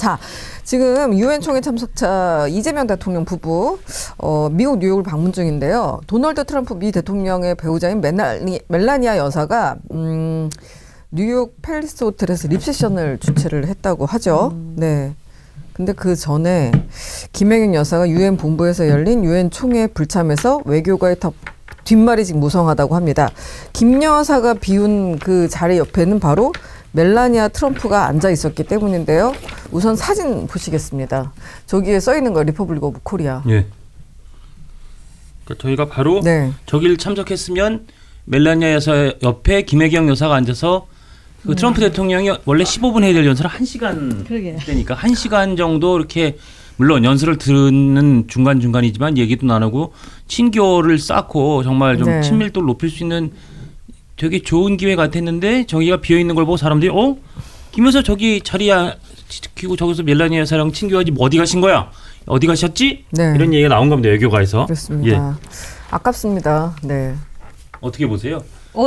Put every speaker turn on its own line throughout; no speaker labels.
자, 지금 유엔 총회 참석차 이재명 대통령 부부 미국 뉴욕을 방문 중인데요. 도널드 트럼프 미 대통령의 배우자인 멜라니아 여사가 뉴욕 팰리스 호텔에서 립세션을 주최를 했다고 하죠. 네. 근데 그 전에 김혜경 여사가 유엔 본부에서 열린 유엔 총회 불참에서 외교가의 뒷말이 무성하다고 합니다. 김 여사가 비운 그 자리 옆에는 바로 멜라니아 트럼프가 앉아 있었기 때문인데요. 우선 사진 보시겠습니다. 저기에 써 있는 거 리퍼블릭 오브 코리아.
예. 그러니까 저희가 바로 저기를 참석했으면 멜라니아 여사 옆에 김혜경 여사가 앉아서 그 트럼프 대통령이 원래 15분 해야 될 연설을 1시간 되니까 1시간 정도 이렇게 물론 연설을 듣는 중간중간이지만 얘기도 나누고 친교를 쌓고 정말 좀 친밀도를 높일 수 있는 되게 좋은 기회 같았는데 저기가 비어있는 걸 보고 사람들이 김 여사 저기 자리야 지키고 저기서 멜라니아 여사랑 친교하지 어디 가신 거야? 어디 가셨지? 이런 얘기가 나온 겁니다. 외교가에서.
그렇습니다. 예. 아깝습니다. 네.
어떻게 보세요?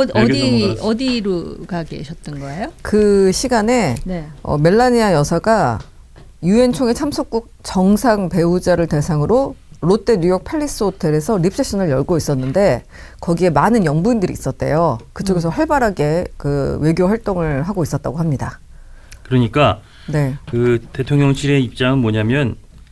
어디로 가 계셨던 거예요?
그 시간에 멜라니아 여사가 유엔 총회 참석국 정상 배우자를 대상으로 롯데 뉴욕 팰리스 호텔에서 립세션을 열고 있었는데 거기에 많은 영부인들이 있었대요. 그쪽에서 활발하게 그 외교 활동을 하고 있었다고 합니다.
그러니까 그 대통령실의 입장은 뭐냐면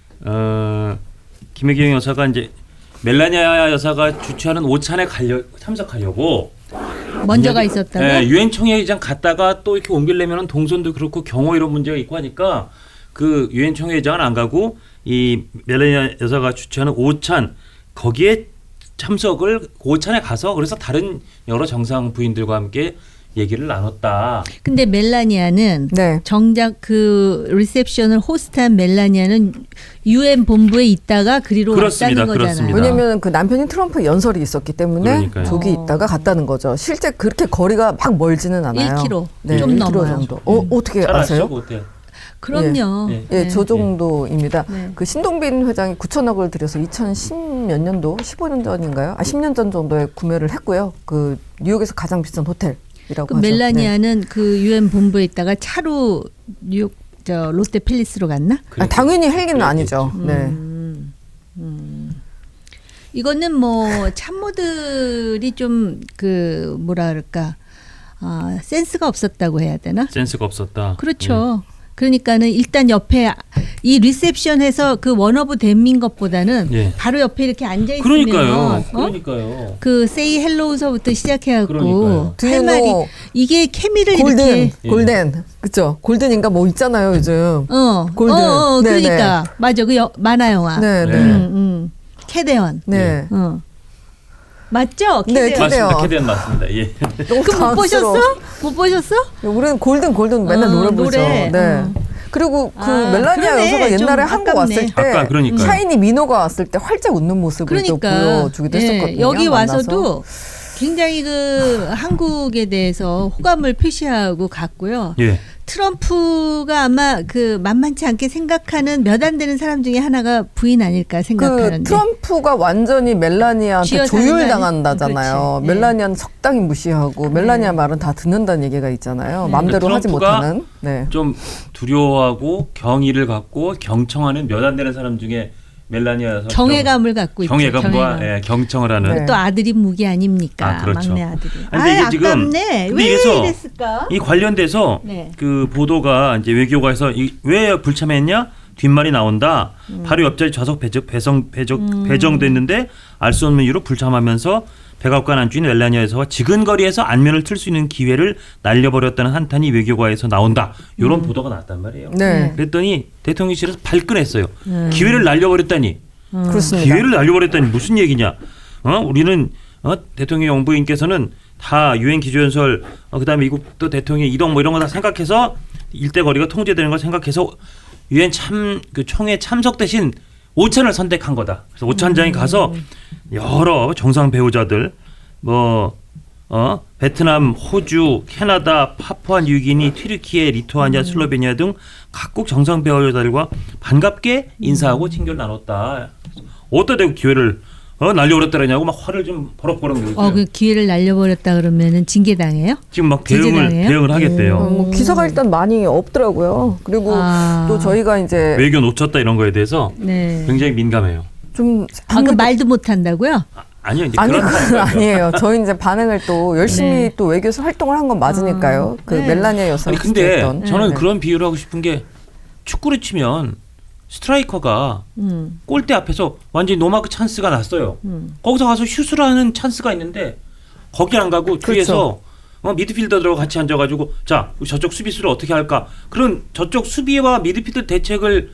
김혜경 여사가 이제 멜라니아 여사가 주최하는 오찬에 참석하려고
먼저 가 있었다고?
네, 유엔 총회의장 갔다가 또 이렇게 옮기려면 동선도 그렇고 경호 이런 문제가 있고 하니까 그 유엔 총회의장은 안 가고 이 멜라니아 여사가 주최하는 오찬 거기에 참석을 오찬에 가서 그래서 다른 여러 정상 부인들과 함께 얘기를 나눴다.
근데 멜라니아는 정작 그 리셉션을 호스트한 멜라니아는 유엔 본부에 있다가 그리로 왔다는 거잖아요.
왜냐하면 그 남편인 트럼프 연설이 있었기 때문에 저기 있다가 갔다는 거죠. 실제 그렇게 거리가 막 멀지는 않아요.
1km
네,
좀
1km
넘어요.
정도. 어떻게 아세요?
그럼요.
예, 저 정도입니다. 그 신동빈 회장이 9천억을 들여서 2010 몇 년도, 15년 전인가요? 10년 전 정도에 구매를 했고요. 그 뉴욕에서 가장 비싼 호텔.
그 멜라니아는 그 유엔 본부에 있다가 차로 뉴욕 롯데 팰리스로 갔나?
당연히 헬기는 아니죠.
이거는 뭐 참모들이 좀 그 뭐라 그럴까 센스가 없었다고 해야 되나?
센스가 없었다.
그렇죠. 그러니까는 일단 옆에 이 리셉션에서 그 원어브 댐인 것보다는 바로 옆에 이렇게 앉아 있으면
그러니까요.
그 say hello서부터 시작해갖고 할 말이 이게 케미를
골든 그렇죠. 골든인가 뭐 있잖아요 요즘. 골든.
그러니까 맞아 그 만화 영화. 캐데언. 맞죠?
맞습니다. 캐데언 맞습니다. 예.
못 보셨어? 못 보셨어?
우리는 골든 맨날 노래 부르죠. 그리고 그 멜라니아 여사가 옛날에 한국 왔을 때 샤이니 미노가 왔을 때 활짝 웃는 모습을 또 보여주기도 했었거든요.
여기 와서도 굉장히 그 한국에 대해서 호감을 표시하고 갔고요. 트럼프가 아마 그 만만치 않게 생각하는 몇 안 되는 사람 중에 하나가 부인 아닐까 생각하는데.
그 트럼프가 완전히 멜라니아한테 조율당한다잖아요. 멜라니아는 적당히 무시하고 멜라니아 말은 다 듣는다는 얘기가 있잖아요. 마음대로 하지 못하는.
좀 두려워하고 경의를 갖고 경청하는 몇 안 되는 사람 중에 멜라니아에서
경외감을 갖고 있죠.
경외감과 경청을 하는.
또 아들이 무기 아닙니까?
그렇죠.
막내 아들이.
근데 이게 지금
왜 이랬을까?
이 관련돼서 그 보도가 이제 외교가에서 왜 불참했냐? 뒷말이 나온다. 바로 옆자리 좌석 배정됐는데 알 수 없는 이유로 불참하면서 백악관 안주인 멜라니아 여사와 지근거리에서 안면을 틀 수 있는 기회를 날려버렸다는 한탄이 외교가에서 나온다. 이런 보도가 나왔단 말이에요. 그랬더니 대통령실에서 발끈했어요. 기회를 날려버렸다니.
그렇습니다.
기회를 날려버렸다니 무슨 얘기냐. 우리는 대통령 영부인께서는 다 유엔 기조연설 그다음에 미국 또 대통령 이동 뭐 이런 거 다 생각해서 일대 거리가 통제되는 걸 생각해서 유엔 그 총회 참석 대신 오찬을 선택한 거다. 그래서 오찬장에 가서 여러 정상 배우자들 베트남, 호주, 캐나다, 파푸아뉴기니, 튀르키예, 리투아니아, 슬로베니아 등 각국 정상 배우자들과 반갑게 인사하고 친교를 나눴다. 어디다 대고 기회를 날려버렸다 그러냐고 막 화를 좀 버럭버럭 내고 있어요.
그 기회를 날려버렸다 그러면은 징계당해요?
지금 막 대응을 하겠대요.
뭐 기사가 일단 많이 없더라고요. 그리고 또 저희가 이제
외교 놓쳤다 이런 거에 대해서 굉장히 민감해요.
좀
그 말도 못 한다고요?
아니요, 이제
아니
그런
그건 아니에요. 저희 이제 반응을 또 열심히 또 외교에서 활동을 한 건 맞으니까요. 그 멜라니아 여사.
아니 근데 저는 그런 비유를 하고 싶은 게 축구를 치면 스트라이커가 골대 앞에서 완전히 노마크 찬스가 났어요. 거기서 가서 슛을 하는 찬스가 있는데 거기 안 가고 뒤에서 미드필더들하고 같이 앉아가지고 자 저쪽 수비수를 어떻게 할까 그런 저쪽 수비와 미드필더 대책을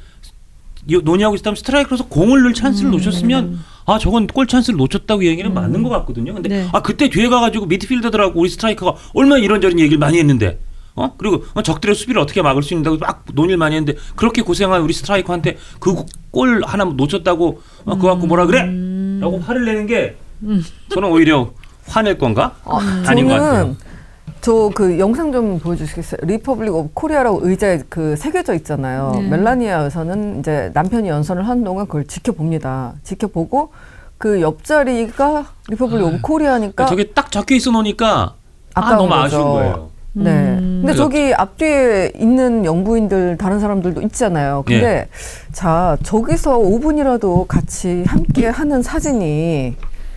논의하고 있다면 스트라이커로서 공을 넣을 찬스를 놓쳤으면 저건 골 찬스를 놓쳤다고 얘기는 맞는 것 같거든요. 근데 그때 뒤에 가가지고 미드필더들하고 우리 스트라이커가 얼마나 이런저런 얘기를 많이 했는데 그리고 적들의 수비를 어떻게 막을 수 있는다고 막 논의를 많이 했는데 그렇게 고생한 우리 스트라이커한테 그 골 하나 놓쳤다고 그거 갖고 뭐라 그래? 라고 화를 내는 게 저는 오히려 화낼 건가? 아닌 것 같아요.
저 그 영상 좀 보여주시겠어요? 리퍼블릭 오브 코리아라고 의자에 그 새겨져 있잖아요. 멜라니아 여사는 이제 남편이 연설을 하는 동안 그걸 지켜봅니다. 지켜보고 그 옆자리가 리퍼블릭 오브 코리아니까
저게 딱 적혀 있어 놓으니까 너무
거죠.
아쉬운 거예요.
네. 근데 저기 앞뒤에 있는 영부인들 다른 사람들도 있잖아요. 근데 자 저기서 5분이라도 같이 함께 하는 사진이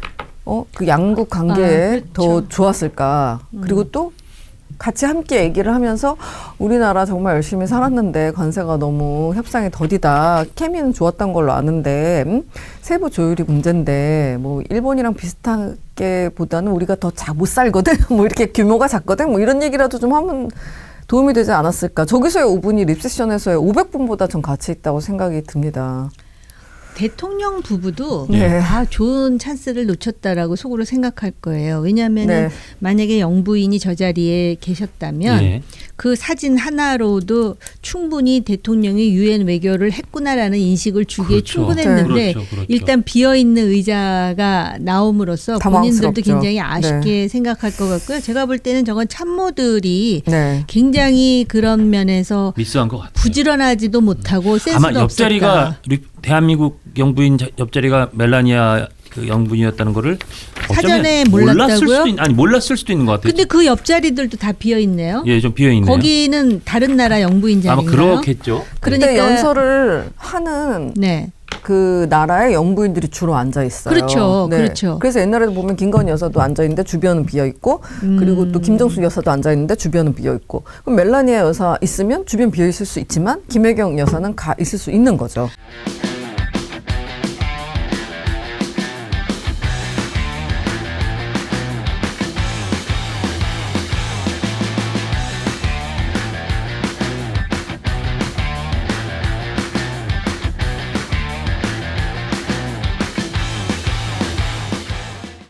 그 양국 관계에 더 좋았을까? 그리고 또 같이 함께 얘기를 하면서 우리나라 정말 열심히 살았는데 관세가 너무 협상이 더디다. 케미는 좋았던 걸로 아는데 세부 조율이 문제인데 뭐 일본이랑 비슷하게 보다는 우리가 더 못 살거든. 뭐 이렇게 규모가 작거든. 뭐 이런 얘기라도 좀 하면 도움이 되지 않았을까. 저기서의 5분이 립세션에서의 500분보다 전 가치 있다고 생각이 듭니다.
대통령 부부도 다 좋은 찬스를 놓쳤다라고 속으로 생각할 거예요. 왜냐하면 만약에 영부인이 저 자리에 계셨다면 그 사진 하나로도 충분히 대통령이 유엔 외교를 했구나라는 인식을 주기에 충분했는데 일단 비어있는 의자가 나옴으로써 본인들도 굉장히 아쉽게 생각할 것 같고요. 제가 볼 때는 저건 참모들이 굉장히 그런 면에서
미스한 것 같아요.
부지런하지도 못하고 센스도
아마 옆자리가 대한민국 영부인 옆자리가 멜라니아 그 영부인이었다는 거를
사전에 몰랐다고요?
몰랐을 수도 있는 것 같아요.
근데 그 옆자리들도 다 비어 있네요.
좀 비어 있네요.
거기는 다른 나라 영부인 자리인가요?
아마 그렇겠죠.
그러니까 연설을 하는 그 나라의 영부인들이 주로 앉아 있어요.
그렇죠. 그렇죠.
그래서 옛날에도 보면 김건희 여사도 앉아 있는데 주변은 비어 있고 그리고 또 김정숙 여사도 앉아 있는데 주변은 비어 있고 그럼 멜라니아 여사 있으면 주변 비어 있을 수 있지만 김혜경 여사는 가 있을 수 있는 거죠.